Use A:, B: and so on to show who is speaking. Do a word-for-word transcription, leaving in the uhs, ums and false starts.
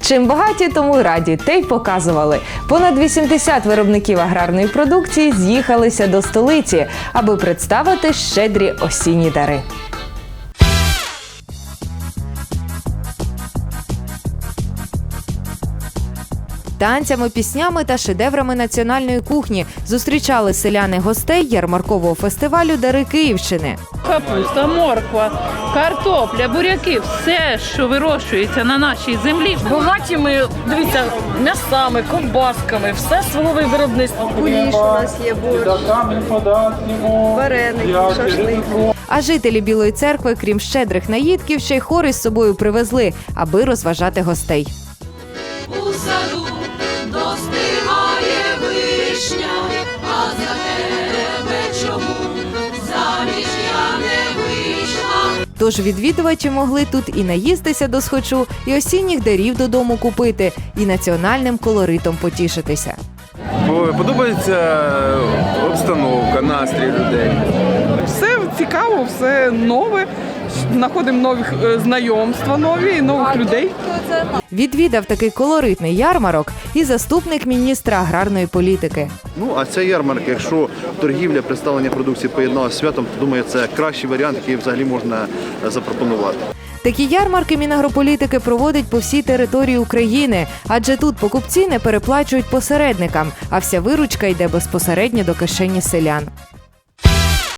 A: Чим багаті, тому й раді, те й показували. Понад вісімдесят виробників аграрної продукції з'їхалися до столиці, аби представити щедрі осінні дари. Танцями, піснями та шедеврами національної кухні зустрічали селяни гостей ярмаркового фестивалю «Дари Київщини».
B: Капуста, морква, картопля, буряки – все, що вирощується на нашій землі.
C: Багаті ми, дивіться, м'ясами, ковбасками, все свого виробництва.
D: Куліш у нас є, борщ, вареники, шашлик.
A: А жителі Білої церкви, крім щедрих наїдків, ще й хори з собою привезли, аби розважати гостей.
E: У саду достигає вишня, а за тебе чому заміж я не вийшла?
A: Тож відвідувачі могли тут і наїстися досхочу, і осінніх дарів додому купити, і національним колоритом потішитися.
F: Подобається обстановка, настрій людей.
G: Все цікаво, все нове, знаходимо нові знайомства, нові, нових людей.
A: Відвідав такий колоритний ярмарок і заступник міністра аграрної політики.
H: Ну, а ця ярмарка, якщо торгівля, представлення продукції поєдналася з святом, то, думаю, це кращий варіант, який взагалі можна запропонувати.
A: Такі ярмарки Мінагрополітики проводить по всій території України, адже тут покупці не переплачують посередникам, а вся виручка йде безпосередньо до кишені селян.